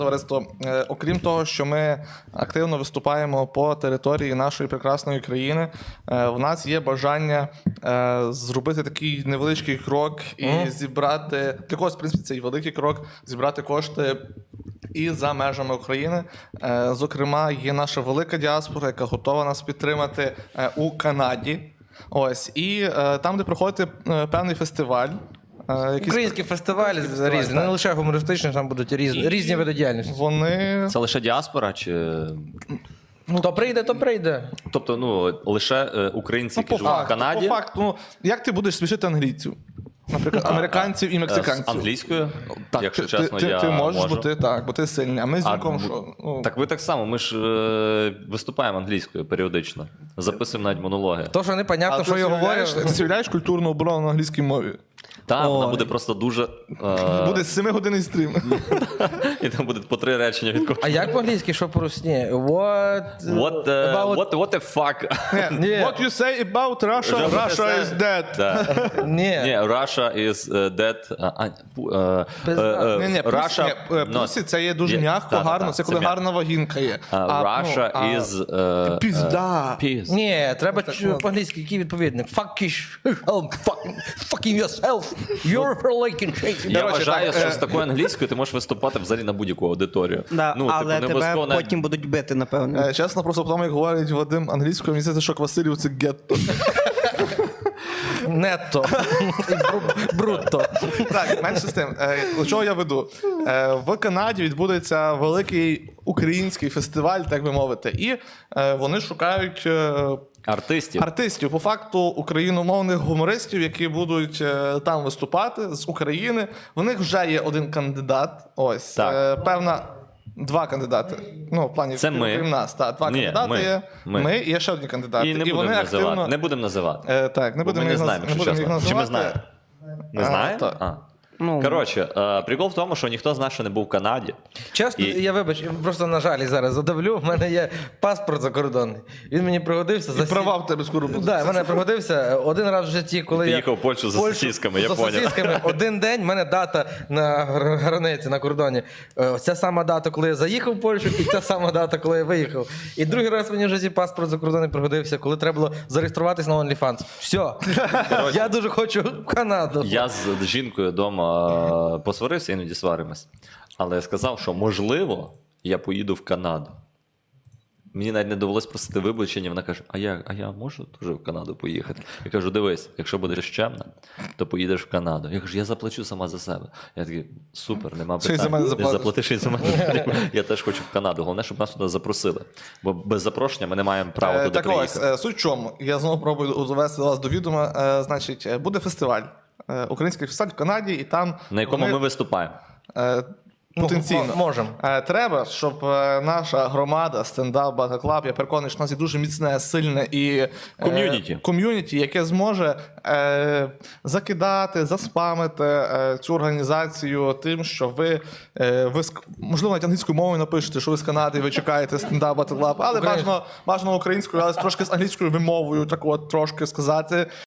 Товариство, окрім того, що ми активно виступаємо по території нашої прекрасної країни, в нас є бажання зробити такий невеличкий крок і зібрати, для когось, в принципі, цей великий крок, зібрати кошти і за межами України. Зокрема, є наша велика діаспора, яка готова нас підтримати у Канаді. Ось, і там, де проходить певний фестиваль. Українські фестивалі різні, не лише гумористичні, там будуть різні види діяльності. Вони... Це лише діаспора чи... То прийде, то прийде. Тобто, лише українці, які живуть в Канаді. По факту, як ти будеш смішити англійців? Наприклад, американців і мексиканців. З англійською, так, якщо чесно, я ти можеш, можу. бо ти сильний. А ми з Ніком що? Так ви так само, ми ж виступаємо англійською періодично. Записуємо навіть монологи. То, що непонятно, що я говорю. Ти уявляєш культурну оборону на англійській мові? Так, вона буде просто дуже... Буде 7-годинний стрім. І там буде по 3 речення від кожного. А як по-англійськи, що по-русні? What the fuck? What you say about Russia? Russia is dead. Ні. Ні, Russia is dead. Russia... Пусі, це є дуже м'яко, гарно. Це коли гарна вагінка є. Russia is... Пізда. Ні, треба по-англійськи, який відповідник. Fucking yourself. You're freaking shaking. Я вважаю, що з такою англійською ти можеш виступати взагалі на будь-яку аудиторію. Да, але тебе потім будуть бити, напевно. Чесно, просто тому, як говорить Вадим англійською, мені здається, що Квасилів – це гетто. Нетто. Брутто. Так, менше з тим. До чого я веду? В Канаді відбудеться великий український фестиваль, так би мовити, і вони шукають артистів, по факту україномовних гумористів, які будуть там виступати з України. В них вже є один кандидат, ось, певна... 2 кандидати. Ну, в плані, це ми. Крім нас. Так, 2 кандидати є. Ми і є ще одні кандидати. І не будемо називати. Не будемо називати. Так, не будемо їх називати. Чи ми знаємо? Не знаємо? Коротше, прикол в тому, що ніхто з нас ще не був в Канаді. Чесно, я вибач, просто на жалі зараз задавлю. В мене є паспорт закордонний. Він мені пригодився. І права в тебе скоро будуть. Так, в мене пригодився один раз в житті, коли я... Поїхав в Польщу за сосисками, я поняв. За сосисками. Один день, в мене дата на границі, на кордоні. Ця сама дата, коли я заїхав в Польщу, і ця сама дата, коли я виїхав. І другий раз мені в житті паспорт закордонний пригодився, коли треба було зареєструватись на OnlyFans. Все. Я дуже хочу в Канаду. Я з жінкою вдома посварився, іноді сваримось. Але я сказав, що можливо я поїду в Канаду. Мені навіть не довелось просити вибачення. Вона каже, а я можу теж в Канаду поїхати? Я кажу, дивись, якщо будеш чемна, то поїдеш в Канаду. Я кажу, я заплачу сама за себе. Я такий, супер, нема питань. Ще й за мене заплатиш. Заплатиш і за мене. Я теж хочу в Канаду. Головне, щоб нас туди запросили. Бо без запрошення ми не маємо права туди приїхати. Так ось, суть в чому. Я знову пробую довести вас до відома. Значить, буде фестиваль. Український фестиваль в Канаді, і там... На якому ми виступаємо. Потенційно. Можемо. Треба, щоб наша громада, стендап, Battle Club, я переконаний, що в нас є дуже міцне, сильне і ком'юніті, яке зможе закидати, заспамити цю організацію тим, що ви можливо, навіть англійською мовою напишете, що ви з Канади, ви чекаєте стендап, Battle Club, але бажано українською, але трошки з англійською вимовою, так от трошки сказати.